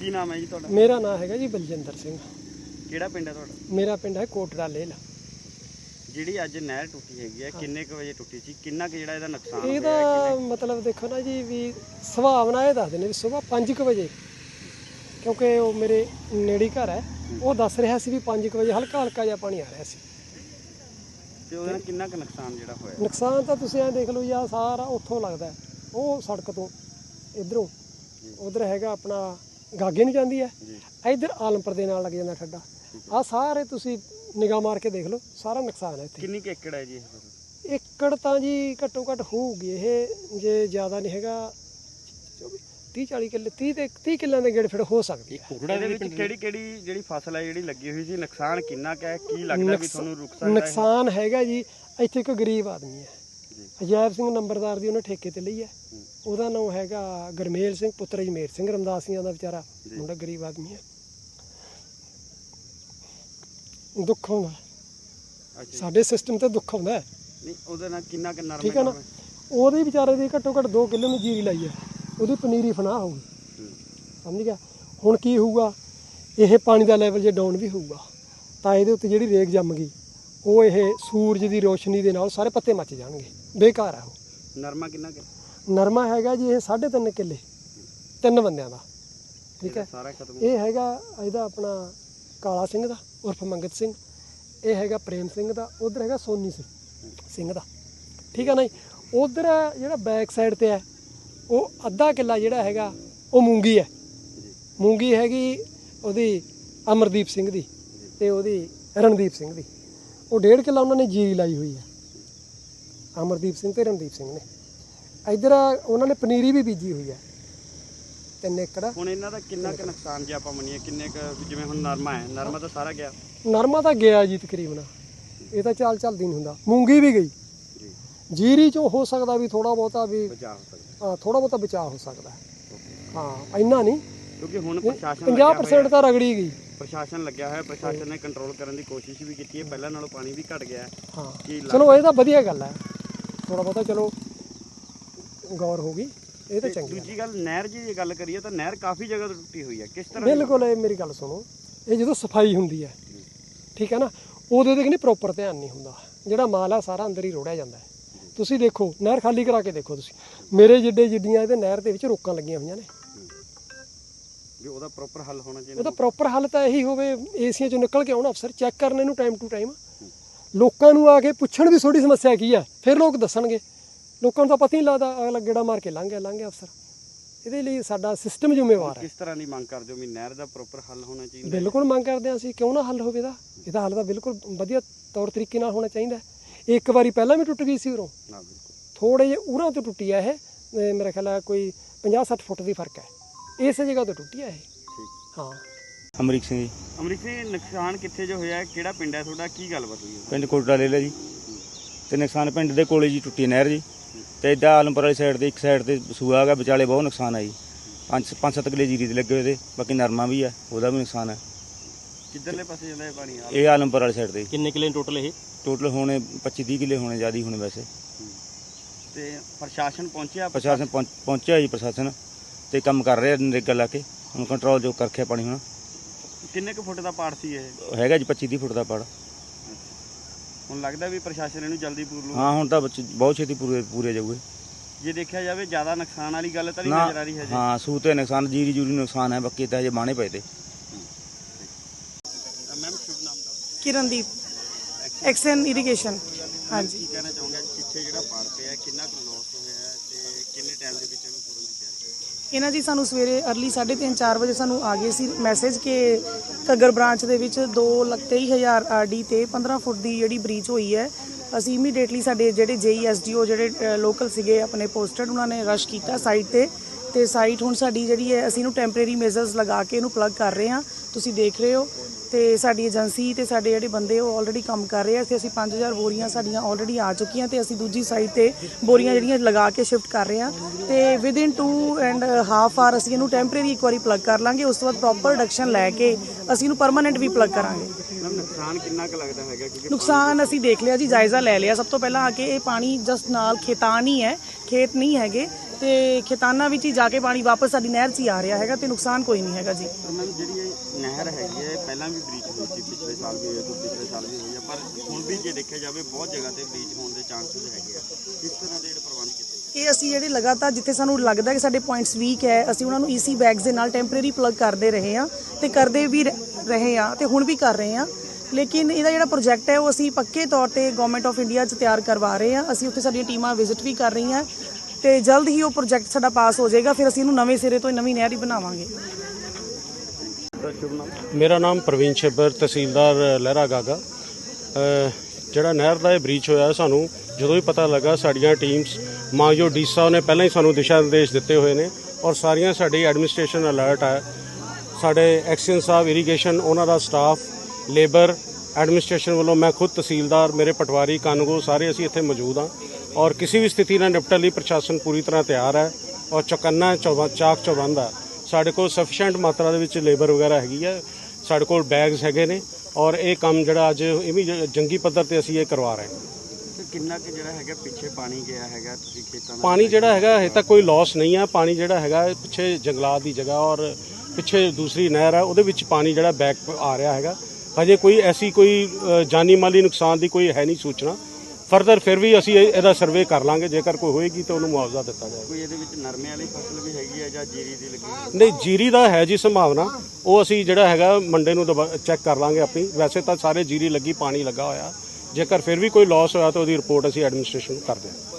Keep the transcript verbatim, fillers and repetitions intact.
ਕੀ ਨਾਮ ਹੈ ਜੀ ਤੁਹਾਡਾ? ਮੇਰਾ ਨਾਮ ਹੈਗਾ ਜੀ ਬਲਜਿੰਦਰ ਸਿੰਘ। ਕਿਹੜਾ ਪਿੰਡ ਹੈ ਤੁਹਾਡਾ? ਮੇਰਾ ਪਿੰਡ ਹੈ ਕੋਟੜਾ ਲੇਲ। ਜਿਹੜੀ ਅੱਜ ਨਹਿਰ ਟੁੱਟੀ ਹੈਗੀ ਹੈ ਕਿੰਨੇ ਕੁ ਵਜੇ ਟੁੱਟੀ ਸੀ, ਕਿੰਨਾ ਕੁ ਜਿਹੜਾ ਇਹਦਾ ਨੁਕਸਾਨ ਹੋਇਆ? ਇਹਦਾ ਮਤਲਬ ਦੇਖੋ ਨਾ ਜੀ ਵੀ ਸੁਭਾਵਨਾ ਇਹ ਦੱਸਦੇ ਨੇ ਵੀ ਸਵੇਰ ਪੰਜ ਕੁ ਵਜੇ, ਕਿਉਂਕਿ ਉਹ ਮੇਰੇ ਨੇੜੇ ਘਰ ਹੈ, ਉਹ ਦੱਸ ਰਿਹਾ ਸੀ ਵੀ ਪੰਜ ਕੁ ਵਜੇ ਹਲਕਾ ਹਲਕਾ ਜਿਹਾ ਪਾਣੀ ਆ ਰਿਹਾ ਸੀ। ਤੇ ਉਹਦਾ ਕਿੰਨਾ ਕੁ ਨੁਕਸਾਨ ਜਿਹੜਾ ਹੋਇਆ? ਨੁਕਸਾਨ ਤਾਂ ਤੁਸੀਂ ਐਂ ਦੇਖ ਲਓ ਜੀ, ਆਹ ਸਾਰਾ ਉੱਥੋਂ ਲੱਗਦਾ ਉਹ ਸੜਕ ਤੋਂ ਇਧਰੋਂ ਉਧਰ ਹੈਗਾ ਆਪਣਾ ਗਾਗੇ ਨੂੰ ਜਾਂਦੀ ਹੈ, ਇੱਧਰ ਆਲਮਪੁਰ ਦੇ ਨਾਲ ਲੱਗ ਜਾਂਦਾ ਠੱਡਾ। ਆਹ ਸਾਰੇ ਤੁਸੀਂ ਨਿਗਾਹ ਮਾਰ ਕੇ ਦੇਖ ਲਓ, ਸਾਰਾ ਨੁਕਸਾਨ ਹੈ ਇੱਥੇ। ਕਿੰਨੀ ਕੁ ਏਕੜ ਹੈ ਜੀ ਇਹ? ਏਕੜ ਤਾਂ ਜੀ ਘੱਟੋ ਘੱਟ ਹੋਊਗੀ ਇਹ, ਜੇ ਜ਼ਿਆਦਾ ਨਹੀਂ ਹੈਗਾ ਤੀਹ ਚਾਲੀ ਕਿੱਲੇ, ਤੀਹ ਤੇ ਤੀਹ ਕਿੱਲਿਆਂ ਦੇ ਗੇੜ ਫਿਰ ਹੋ ਸਕਦੀ ਹੈ। ਇਹਦੇ ਵਿੱਚ ਕਿਹੜੀ ਕਿਹੜੀ ਜਿਹੜੀ ਫਸਲ ਹੈ ਜਿਹੜੀ ਲੱਗੀ ਹੋਈ ਸੀ, ਨੁਕਸਾਨ ਕਿੰਨਾ ਕੁ ਹੈ, ਕੀ ਲੱਗਦਾ ਵੀ ਤੁਹਾਨੂੰ ਰੁਕ ਸਕਦਾ? ਨੁਕਸਾਨ ਹੈਗਾ ਜੀ, ਇੱਥੇ ਇੱਕ ਗਰੀਬ ਆਦਮੀ ਹੈ, ਅਜੈਬ ਸਿੰਘ ਨੰਬਰਦਾਰ ਦੀ ਉਹਨੇ ਠੇਕੇ ਤੇ ਲਈ ਹੈ। ਉਹਦਾ ਨਾਮ ਹੈਗਾ ਗਰਮੇਲ ਸਿੰਘ ਪੁੱਤਰ ਜਮੇਰ ਸਿੰਘ ਰਮਦਾਸੀਆਂ ਦਾ ਵਿਚਾਰਾ ਮੁੰਡਾ, ਗਰੀਬ ਆਦਮੀ ਹੈ। ਦੁੱਖ ਆਉਂਦਾ ਸਾਡੇ ਸਿਸਟਮ ਤੇ, ਦੁੱਖ ਆਉਂਦਾ। ਨਹੀਂ ਉਹਦੇ ਨਾਲ ਕਿੰਨਾ ਕੁ ਨਰਮ ਠੀਕ ਹੈ ਨਾ, ਉਹਦੇ ਵਿਚਾਰੇ ਦੀ ਘੱਟੋ ਘੱਟ ਦੋ ਕਿੱਲੇ ਨੂੰ ਜੀਰੀ ਲਾਈ ਹੈ, ਉਹਦੀ ਪਨੀਰੀ ਫਨਾਹ ਹੋਊਗੀ, ਸਮਝ ਗਿਆ। ਹੁਣ ਕੀ ਹੋਊਗਾ, ਇਹ ਪਾਣੀ ਦਾ ਲੈਵਲ ਜੇ ਡਾਊਨ ਵੀ ਹੋਊਗਾ ਤਾਂ ਇਹਦੇ ਉੱਤੇ ਜਿਹੜੀ ਰੇਗ ਜੰਮ ਗਈ, ਉਹ ਇਹ ਸੂਰਜ ਦੀ ਰੋਸ਼ਨੀ ਦੇ ਨਾਲ ਸਾਰੇ ਪੱਤੇ ਮੱਚ ਜਾਣਗੇ, ਬੇਕਾਰ ਆ ਉਹ। ਨਰਮਾ ਕਿੰਨਾ ਕੁ? ਨਰਮਾ ਹੈਗਾ ਜੀ ਇਹ ਸਾਢੇ ਤਿੰਨ ਕਿੱਲੇ, ਤਿੰਨ ਬੰਦਿਆਂ ਦਾ, ਠੀਕ ਹੈ। ਸਾਰਾ ਖਤਮ। ਇਹ ਹੈਗਾ ਇਹਦਾ ਆਪਣਾ ਕਾਲਾ ਸਿੰਘ ਦਾ ਉਰਫ ਮੰਗਤ ਸਿੰਘ, ਇਹ ਹੈਗਾ ਪ੍ਰੇਮ ਸਿੰਘ ਦਾ, ਉਧਰ ਹੈਗਾ ਸੋਨੀ ਸਿੰਘ ਸਿੰਘ ਦਾ, ਠੀਕ ਹੈ ਨਾ ਜੀ। ਉਧਰ ਜਿਹੜਾ ਬੈਕ ਸਾਈਡ ਤੇ ਹੈ ਉਹ ਅੱਧਾ ਕਿੱਲਾ ਜਿਹੜਾ ਹੈਗਾ ਉਹ ਮੂੰਗੀ ਹੈ, ਮੂੰਗੀ ਹੈਗੀ ਉਹਦੀ ਅਮਰਦੀਪ ਸਿੰਘ ਦੀ ਤੇ ਉਹਦੀ ਰਣਦੀਪ ਸਿੰਘ ਦੀ। ਉਹ ਡੇਢ ਕਿੱਲਾ ਉਹਨਾਂ ਨੇ ਜੀਰੀ ਲਾਈ ਹੋਈ ਹੈ, ਅਮਰਦੀਪ ਸਿੰਘ ਤੇ ਰਣਦੀਪ ਸਿੰਘ ਨੇ। ਇੱਧਰ ਉਹਨਾਂ ਨੇ ਪਨੀਰੀ ਵੀ ਬੀਜੀ ਹੋਈ ਹੈ, ਤਿੰਨ ਏਕੜ। ਹੁਣ ਇਹਨਾਂ ਦਾ ਕਿੰਨਾ ਕੁ ਨੁਕਸਾਨ ਜੇ ਆਪਾਂ ਮੰਨੀਏ, ਕਿੰਨੇ ਕੁ, ਜਿਵੇਂ ਹੁਣ ਨਰਮਾ ਹੈ, ਨਰਮਾ ਤਾਂ ਸਾਰਾ ਗਿਆ? ਨਰਮਾ ਤਾਂ ਗਿਆ ਜੀ ਤਕਰੀਬਨ, ਇਹ ਤਾਂ ਚਾਲ ਚੱਲਦੀ ਨਹੀਂ ਹੁੰਦਾ। ਮੂੰਗੀ ਵੀ ਗਈ, ਜੀਰੀ ਚੋਂ ਹੋ ਸਕਦਾ ਵੀ ਥੋੜਾ ਬਹੁਤਾ ਵੀ ਬਚਾ ਹੋ ਸਕਦਾ, ਹਾਂ ਥੋੜਾ ਬਹੁਤਾ ਬਚਾਅ ਹੋ ਸਕਦਾ ਹੈ, ਹਾਂ ਇੰਨਾ ਨਹੀਂ, ਕਿਉਂਕਿ ਹੁਣ ਪ੍ਰਸ਼ਾਸਨ ਪੰਜਾਹ ਪ੍ਰਸੈਂਟ ਤਾਂ ਰਗੜੀ ਗਈ। ਪ੍ਰਸ਼ਾਸਨ ਲੱਗਿਆ ਹੋਇਆ, ਪ੍ਰਸ਼ਾਸਨ ਨੇ ਕੰਟਰੋਲ ਕਰਨ ਦੀ ਕੋਸ਼ਿਸ਼ ਵੀ ਕੀਤੀ ਹੈ, ਪਹਿਲਾਂ ਨਾਲੋਂ ਪਾਣੀ ਵੀ ਘਟ ਗਿਆ ਹੈ। ਹਾਂ ਚਲੋ ਇਹ ਤਾਂ ਵਧੀਆ ਗੱਲ ਹੈ, ਥੋੜਾ ਬਹੁਤਾ ਚਲੋ ਗੌਰ ਹੋ ਗਈ, ਇਹ ਤਾਂ ਚੰਗੀ। ਦੂਜੀ ਗੱਲ ਨਹਿਰ ਜੀ ਦੀ ਗੱਲ ਕਰੀਏ ਤਾਂ ਨਹਿਰ ਕਾਫੀ ਜਗ੍ਹਾ ਤੋਂ ਟੁੱਟੀ ਹੋਈ ਹੈ, ਕਿਸ ਤਰ੍ਹਾਂ? ਬਿਲਕੁਲ, ਇਹ ਮੇਰੀ ਗੱਲ ਸੁਣੋ, ਇਹ ਜਦੋਂ ਸਫਾਈ ਹੁੰਦੀ ਹੈ, ਠੀਕ ਹੈ ਨਾ, ਉਹਦੇ ਤੇ ਨਹੀਂ ਪ੍ਰੋਪਰ ਧਿਆਨ ਨਹੀਂ ਹੁੰਦਾ, ਜਿਹੜਾ ਮਾਲ ਆ ਸਾਰਾ ਅੰਦਰ ਹੀ ਰੋੜਿਆ ਜਾਂਦਾ ਹੈ। ਤੁਸੀਂ ਦੇਖੋ ਨਹਿਰ ਖਾਲੀ ਕਰਾ ਕੇ ਦੇਖੋ ਤੁਸੀਂ, ਮੇਰੇ ਜਿੱਡੇ ਜਿੱਡੀਆਂ ਇਹਦੇ ਨਹਿਰ ਦੇ ਵਿੱਚ ਰੋਕਾਂ ਲੱਗੀਆਂ ਹੋਈਆਂ ਨੇ। ਵੀ ਉਹਦਾ ਪ੍ਰੋਪਰ ਹੱਲ ਹੋਣਾ ਚਾਹੀਦਾ। ਉਹਦਾ ਪ੍ਰੋਪਰ ਹੱਲ ਤਾਂ ਇਹੀ ਹੋਵੇ, ਏਸੀਆਂ ਚੋਂ ਨਿਕਲ ਕੇ ਆਉਣ ਅਫਸਰ, ਚੈੱਕ ਕਰਨ ਇਹਨੂੰ ਟਾਈਮ ਟੂ ਟਾਈਮ, ਲੋਕਾਂ ਨੂੰ ਆ ਕੇ ਪੁੱਛਣ ਵੀ ਤੁਹਾਡੀ ਸਮੱਸਿਆ ਕੀ ਹੈ, ਫਿਰ ਲੋਕ ਦੱਸਣਗੇ। ਲੋਕਾਂ ਨੂੰ ਤਾਂ ਪਤਾ ਹੀ ਨਹੀਂ ਲੱਗਦਾ, ਅਗਲਾ ਗੇੜਾ ਮਾਰ ਕੇ ਲੰਘ ਗਿਆ ਲੰਘ ਗਿਆ ਅਫਸਰ। ਇਹਦੇ ਲਈ ਸਾਡਾ ਸਿਸਟਮ ਜ਼ਿੰਮੇਵਾਰ ਹੈ। ਕਿਸ ਤਰ੍ਹਾਂ ਦੀ ਮੰਗ ਕਰਦੇ ਹੋ ਵੀ ਨਹਿਰ ਦਾ ਪ੍ਰੋਪਰ ਹੱਲ ਹੋਣਾ ਚਾਹੀਦਾ? ਬਿਲਕੁਲ ਮੰਗ ਕਰਦੇ ਹਾਂ ਅਸੀਂ, ਕਿਉਂ ਨਾ ਹੱਲ ਹੋਵੇ ਇਹਦਾ, ਇਹਦਾ ਹੱਲ ਤਾਂ ਬਿਲਕੁਲ ਵਧੀਆ ਤੌਰ ਤਰੀਕੇ ਨਾਲ ਹੋਣਾ ਚਾਹੀਦਾ। ਇੱਕ ਵਾਰੀ ਪਹਿਲਾਂ ਵੀ ਟੁੱਟ ਗਈ ਸੀ ਉਰੋਂ, ਥੋੜੇ ਜਿਹੇ ਉਰਾਂ ਤੋਂ ਟੁੱਟੀ ਆ ਇਹ, ਮੇਰਾ ਖਿਆਲ ਹੈ ਕੋਈ ਪੰਜਾਹ ਸੱਠ ਫੁੱਟ ਦੀ ਫਰਕ ਹੈ, ਇਸੇ ਜਗ੍ਹਾ ਤੋਂ ਟੁੱਟੀ ਆ ਇਹ। ਹਾਂ। ਅਮਰੀਕ ਸਿੰਘ ਜੀ। ਅਮਰੀਕ ਸਿੰਘ, ਨੁਕਸਾਨ ਕਿੱਥੇ ਜੋ ਹੋਇਆ, ਕਿਹੜਾ ਪਿੰਡ ਹੈ ਤੁਹਾਡਾ, ਕੀ ਗੱਲਬਾਤ ਹੋਈ? ਪਿੰਡ ਕੋਟੜਾ ਲੈ ਲਿਆ ਜੀ, ਤੇ ਨੁਕਸਾਨ ਪਿੰਡ ਦੇ ਕੋਲੇ ਜੀ ਟੁੱਟੀ ਨਹਿਰ ਜੀ, ਤੇ ਇੱਦਾਂ ਆਲਮਪੁਰ ਵਾਲੀ ਸਾਈਡ ਤੇ ਇੱਕ ਸਾਈਡ ਤੇ ਸੂਆ ਹੈਗਾ, ਵਿਚਾਲੇ ਬਹੁਤ ਨੁਕਸਾਨ ਆ ਜੀ। ਪੰਜ ਪੰਜ ਸੱਤ ਕਿੱਲੇ ਜੀਰੀ ਦੇ ਲੱਗੇ ਹੋਏ ਤੇ, ਬਾਕੀ ਨਰਮਾ ਵੀ ਆ, ਉਹਦਾ ਵੀ ਨੁਕਸਾਨ ਹੈ। ਕਿੱਧਰਲੇ ਪਾਸੇ ਜਾਂਦਾ ਇਹ ਪਾਣੀ? ਇਹ ਆਲਮਪੁਰ ਵਾਲੀ ਸਾਈਡ ਤੇ। ਕਿੰਨੇ ਕਿੱਲੇ ਟੋਟਲ ਇਹ? ਟੋਟਲ ਹੋਣੇ ਪੱਚੀ ਤੀਹ ਕਿੱਲੇ ਹੋਣੇ, ਜ਼ਿਆਦਾ ਹੋਣੇ ਵੈਸੇ। ਤੇ ਪ੍ਰਸ਼ਾਸਨ ਪਹੁੰਚਿਆ? ਪ੍ਰਸ਼ਾਸਨ ਪਹੁੰਚ ਪਹੁੰਚਿਆ ਜੀ, ਪ੍ਰਸ਼ਾਸਨ ਤੇ ਕੰਮ ਕਰ ਰਿਹਾ ਨਰੇਗਾ ਲਾ ਕੇ, ਹੁਣ ਕੰਟਰੋਲ ਜੋ ਕਰ ਰੱਖਿਆ ਪਾਣੀ। ਹੁਣ ਕਿੰਨੇ ਕੁ ਫੁੱਟ ਦਾ ਪਾੜ ਸੀ ਇਹ? ਹੈਗਾ ਜੀ ਪੱਚੀ ਤੀਹ ਫੁੱਟ ਦਾ ਪਾੜ। ਹੁਣ ਲੱਗਦਾ ਵੀ ਪ੍ਰਸ਼ਾਸਨ ਇਹਨੂੰ ਜਲਦੀ ਪੂਰ ਲੂ? ਹਾਂ ਹੁਣ ਤਾਂ ਬਹੁਤ ਛੇਤੀ ਪੂਰੇ ਪੂਰੇ ਜਾਊਗੇ। ਜੇ ਦੇਖਿਆ ਜਾਵੇ ਜ਼ਿਆਦਾ ਨੁਕਸਾਨ ਵਾਲੀ ਗੱਲ ਤਾਂ ਨਹੀਂ ਨਾ, ਨਜ਼ਰ ਆ ਰਹੀ ਹੈ ਜੀ? ਹਾਂ ਸੂ ਤੇ ਨੁਕਸਾਨ, ਜੀਰੀ ਜੂਰੀ ਨੁਕਸਾਨ ਹੈ, ਬਾਕੀ ਤਾਂ ਹਜੇ ਬਾਣੇ ਪਏ ਤੇ। ਮੈਮ ਸ਼ੁਭ ਨਾਮ ਦਾ? Kirandeep, XEN irrigation. ਹਾਂਜੀ, ਕੀ ਕਹਿਣਾ ਚਾਹੋਗੇ ਪਿੱਛੇ ਜਿਹੜਾ ਪਾੜ ਪਿਆ ਕਿੰਨਾ ਕੁ ਲੋਸ ਹੋਇਆ ਹੈ ਤੇ ਕਿੰਨੇ ਟਾਈਮ ਦੇ ਵਿੱਚ ਇਹਨੂੰ ਪੂਰਨ ਦੀ ਤਿਆਰੀ? ਇਹਨਾਂ ਜੀ ਸਾਨੂੰ ਸਵੇਰੇ ਅਰਲੀ ਸਾਢੇ ਤਿੰਨ ਚਾਰ ਵਜੇ ਸਾਨੂੰ ਆ ਗਏ ਸੀ ਮੈਸੇਜ ਕਿ ਘੱਗਰ ਬ੍ਰਾਂਚ ਦੇ ਵਿੱਚ ਦੋ ਲੱਖ ਤੇਈ ਹਜ਼ਾਰ ਆਰ ਡੀ ਤੇ ਪੰਦਰਾਂ ਫੁੱਟ ਦੀ ਜਿਹੜੀ ਬ੍ਰੀਚ ਹੋਈ ਹੈ। ਅਸੀਂ ਇਮੀਡੀਏਟਲੀ ਸਾਡੇ ਜਿਹੜੇ ਜੇਈ ਐਸ ਡੀ ਓ ਜਿਹੜੇ ਲੋਕਲ ਸੀਗੇ ਆਪਣੇ ਪੋਸਟਡ, ਉਹਨਾਂ ਨੇ ਰਸ਼ ਕੀਤਾ ਸਾਈਟ ਤੇ ਤੇ ਸਾਈਟ ਹੁਣ ਸਾਡੀ ਜਿਹੜੀ ਹੈ ਅਸੀਂ ਇਹਨੂੰ ਟੈਂਪਰੇਰੀ ਮੇਜ਼ਰਸ ਲਗਾ ਕੇ ਇਹਨੂੰ ਪਲੱਗ ਕਰ ਰਹੇ ਹਾਂ, ਤੁਸੀਂ ਦੇਖ ਰਹੇ ਹੋ। ਤੇ ਸਾਡੀ ਏਜੰਸੀ ਤੇ ਸਾਡੇ ਜਿਹੜੇ ਬੰਦੇ ਉਹ ਆਲਰੇਡੀ ਕੰਮ ਕਰ ਰਹੇ ਆ। ਇੱਥੇ ਅਸੀਂ ਪੰਜ ਹਜ਼ਾਰ ਬੋਰੀਆਂ ਸਾਡੀਆਂ ਆਲਰੇਡੀ ਆ ਚੁੱਕੀਆਂ ਤੇ ਅਸੀਂ ਦੂਜੀ ਸਾਈਡ ਤੇ ਬੋਰੀਆਂ ਜਿਹੜੀਆਂ ਲਗਾ ਕੇ ਸ਼ਿਫਟ ਕਰ ਰਹੇ ਹਾਂ ਤੇ within two and half hour ਅਸੀਂ ਇਹਨੂੰ ਟੈਂਪਰੇਰੀ ਇੱਕ ਵਾਰੀ ਪਲੱਗ ਕਰ ਲਾਂਗੇ। ਉਸ ਤੋਂ ਬਾਅਦ ਪ੍ਰੋਪਰ ਰਿਡਕਸ਼ਨ ਲੈ ਕੇ ਅਸੀਂ ਇਹਨੂੰ ਪਰਮਾਨੈਂਟ ਵੀ ਪਲੱਗ ਕਰਾਂਗੇ। ਨੁਕਸਾਨ ਕਿੰਨਾ ਕੁ ਲੱਗਦਾ ਹੈਗਾ? ਕਿਉਂਕਿ ਨੁਕਸਾਨ ਅਸੀਂ ਦੇਖ ਲਿਆ ਜੀ, ਜਾਇਜ਼ਾ ਲੈ ਲਿਆ। ਸਭ ਤੋਂ ਪਹਿਲਾਂ ਆ ਕੇ ਇਹ ਪਾਣੀ ਜਸਟ ਨਾਲ ਖੇਤਾਨ ਹੀ ਹੈ, ਖੇਤ ਨਹੀਂ ਹੈਗੇ। ਤੇ ਖੇਤਾਨਾਂ ਵਿੱਚ ਹੀ ਜਾ ਕੇ ਪਾਣੀ ਵਾਪਸ ਸਾਡੀ ਨਹਿਰ 'ਚ ਹੀ ਆ ਰਿਹਾ ਹੈਗਾ ਤੇ ਨੁਕਸਾਨ ਕੋਈ ਨਹੀਂ ਹੈਗਾ ਜੀ। ਪਰ ਮੈਮ ਜਿਹੜੀ ਇਹ ਨਹਿਰ ਹੈਗੀ ਹੈ ਪਹਿਲਾਂ ਵੀ ਬ੍ਰੀਚ ਹੋਈ ਸੀ, ਪਿਛਲੇ ਸਾਲ ਵੀ ਹੋਈ ਹੈ, ਪਿਛਲੇ ਸਾਲ ਵੀ ਹੋਈ ਹੈ, ਪਰ ਹੁਣ ਵੀ ਜੇ ਦੇਖਿਆ ਜਾਵੇ ਬਹੁਤ ਜਗ੍ਹਾ ਤੇ ਬ੍ਰੀਚ ਹੋਣ ਦੇ ਚਾਂਸਸ ਹੈਗੇ ਆ। ਕਿਸ ਤਰ੍ਹਾਂ ਦੇ ਜਿਹੜੇ ਪ੍ਰਬੰਧ ਕੀਤੇ? ਇਹ ਅਸੀਂ ਜਿਹੜੇ ਲਗਾਤਾਰ ਜਿੱਥੇ ਸਾਨੂੰ ਲੱਗਦਾ ਕਿ ਸਾਡੇ ਪੁਆਇੰਟਸ ਵੀਕ ਹੈ ਅਸੀਂ ਉਹਨਾਂ ਨੂੰ ਈਸੀ ਬੈਗਸ ਦੇ ਨਾਲ ਟੈਂਪਰੇਰੀ ਪਲੱਗ ਕਰਦੇ ਰਹੇ ਹਾਂ ਤੇ ਕਰਦੇ ਵੀ ਰ- ਰਹੇ ਹਾਂ ਤੇ ਹੁਣ ਵੀ ਕਰ ਰਹੇ ਹਾਂ। ਲੇਕਿਨ ਇਹਦਾ ਜਿਹੜਾ ਪ੍ਰੋਜੈਕਟ ਹੈ ਉਹ ਅਸੀਂ ਪੱਕੇ ਤੌਰ ਤੇ ਗਵਰਨਮੈਂਟ ਆਫ ਇੰਡੀਆ 'ਚ ਤਿਆਰ ਕਰਵਾ ਰਹੇ ਹਾਂ। ਅਸੀਂ ਉੱਥੇ ਸਾਡੀਆਂ ਟੀਮਾਂ ਵਿਜ਼ਿਟ ਵੀ ਕਰ ਰਹੀਆਂ ਤੇ ਜਲਦ ਹੀ ਉਹ ਪ੍ਰੋਜੈਕਟ ਸਾਡਾ ਪਾਸ ਹੋ ਜਾਏਗਾ, ਫਿਰ ਅਸੀਂ ਇਹਨੂੰ ਨਵੇਂ ਸਿਰੇ ਤੋਂ ਨਵੀਂ ਨਹਿਰ ਹੀ ਬਣਾਵਾਂਗੇ। ਮੇਰਾ ਨਾਮ ਪ੍ਰਵੀਨ ਛੱਬਰ, ਤਹਿਸੀਲਦਾਰ ਲਹਿਰਾ ਗਾਗਾ। ਅ, ਜਿਹੜਾ ਨਹਿਰ ਦਾ ਇਹ ਬ੍ਰੀਚ ਹੋਇਆ ਸਾਨੂੰ ਜਦੋਂ ਵੀ ਪਤਾ ਲੱਗਾ ਸਾਡੀਆਂ ਟੀਮਸ ਮਾਨਯੋਗ ਡੀ ਸਾਹਿਬ ਨੇ ਪਹਿਲਾਂ ਹੀ ਸਾਨੂੰ ਦਿਸ਼ਾ ਨਿਰਦੇਸ਼ ਦਿੱਤੇ ਹੋਏ ਨੇ ਔਰ ਸਾਰੀਆਂ ਸਾਡੀ ਐਡਮਿਨਿਸਟ੍ਰੇਸ਼ਨ ਅਲਰਟ ਹੈ। ਸਾਡੇ ਐਕਸੀਅਨ ਸਾਹਿਬ ਇਰੀਗੇਸ਼ਨ ਉਹਨਾਂ ਦਾ ਸਟਾਫ ਲੇਬਰ ਐਡਮਿਨਿਸਟ੍ਰੇਸ਼ਨ ਵੱਲੋਂ ਮੈਂ ਖੁਦ ਤਹਿਸੀਲਦਾਰ ਮੇਰੇ ਪਟਵਾਰੀ ਕਾਨੂੰਗੋ ਸਾਰੇ ਅਸੀਂ ਇੱਥੇ ਮੌਜੂਦ ਹਾਂ ਔਰ ਕਿਸੇ ਵੀ ਸਥਿਤੀ ਨਾਲ ਨਿਪਟਣ ਲਈ ਪ੍ਰਸ਼ਾਸਨ ਪੂਰੀ ਤਰ੍ਹਾਂ ਤਿਆਰ ਹੈ ਔਰ ਚੌਕੰਨਾ ਚੌਬਾ ਚਾਕ ਚੌਬੰਦ ਹੈ। ਸਾਡੇ ਕੋਲ ਸਫੀਸ਼ੀਐਂਟ ਮਾਤਰਾ ਦੇ ਵਿੱਚ ਲੇਬਰ ਵਗੈਰਾ ਹੈਗੀ ਹੈ, ਸਾਡੇ ਕੋਲ ਬੈਗਸ ਹੈਗੇ ਨੇ ਔਰ ਇਹ ਕੰਮ ਜਿਹੜਾ ਅੱਜ ਇਹ ਵੀ ਜੰਗੀ ਪੱਧਰ ਤੇ ਅਸੀਂ ਇਹ ਕਰਵਾ ਰਹੇ ਹਾਂ। ਤੇ ਕਿੰਨਾ ਕਿ ਜਿਹੜਾ ਹੈਗਾ ਪਿੱਛੇ ਪਾਣੀ ਗਿਆ ਹੈਗਾ ਤੁਸੀਂ ਖੇਤਾਂ ਦਾ? ਪਾਣੀ ਜਿਹੜਾ ਹੈਗਾ ਹਜੇ ਤੱਕ ਕੋਈ ਲਾਸ ਨਹੀਂ ਹੈ। ਪਾਣੀ ਜਿਹੜਾ ਹੈਗਾ ਪਿੱਛੇ ਜੰਗਲਾਤ ਦੀ ਜਗ੍ਹਾ ਔਰ ਪਿੱਛੇ ਦੂਸਰੀ ਨਹਿਰ ਹੈ ਉਹਦੇ ਵਿੱਚ ਪਾਣੀ ਜਿਹੜਾ ਬੈਕ ਆ ਰਿਹਾ ਹੈਗਾ। ਹਜੇ ਕੋਈ ਐਸੀ ਕੋਈ ਅ, ਜਾਨੀ ਮਾਲੀ ਨੁਕਸਾਨ ਦੀ ਕੋਈ ਹੈ ਨਹੀਂ ਸੂਚਨਾ। ਫਰਦਰ ਫਿਰ ਵੀ ਅਸੀਂ ਇਹ- ਇਹਦਾ ਸਰਵੇ ਕਰ ਲਾਂਗੇ, ਜੇਕਰ ਕੋਈ ਹੋਏਗੀ ਤਾਂ ਉਹਨੂੰ ਮੁਆਵਜ਼ਾ ਦਿੱਤਾ ਜਾਏਗਾ। ਕੋਈ ਇਹਦੇ ਵਿੱਚ ਨਰਮੇ ਵਾਲੀ ਫਸਲ ਵੀ ਹੈਗੀ ਹੈ ਜਾਂ ਜੀਰੀ ਦੀ ਲੱਗੀ? ਨਹੀਂ, ਜੀਰੀ ਦਾ ਹੈ ਜੀ ਸੰਭਾਵਨਾ, ਉਹ ਅਸੀਂ ਜਿਹੜਾ ਹੈਗਾ ਮੰਡੇ ਨੂੰ ਚੈੱਕ ਕਰ ਲਾਂਗੇ ਆਪਣੀ। ਵੈਸੇ ਤਾਂ ਸਾਰੇ ਜੀਰੀ ਲੱਗੀ, ਪਾਣੀ ਲੱਗਾ ਹੋਇਆ। ਜੇਕਰ ਫਿਰ ਵੀ ਕੋਈ ਲਾਸ ਹੋਇਆ ਤਾਂ ਉਹਦੀ ਰਿਪੋਰਟ ਅਸੀਂ ਐਡਮਿਨਿਸਟ੍ਰੇਸ਼ਨ ਨੂੰ ਕਰ ਦਿਆਂਗੇ।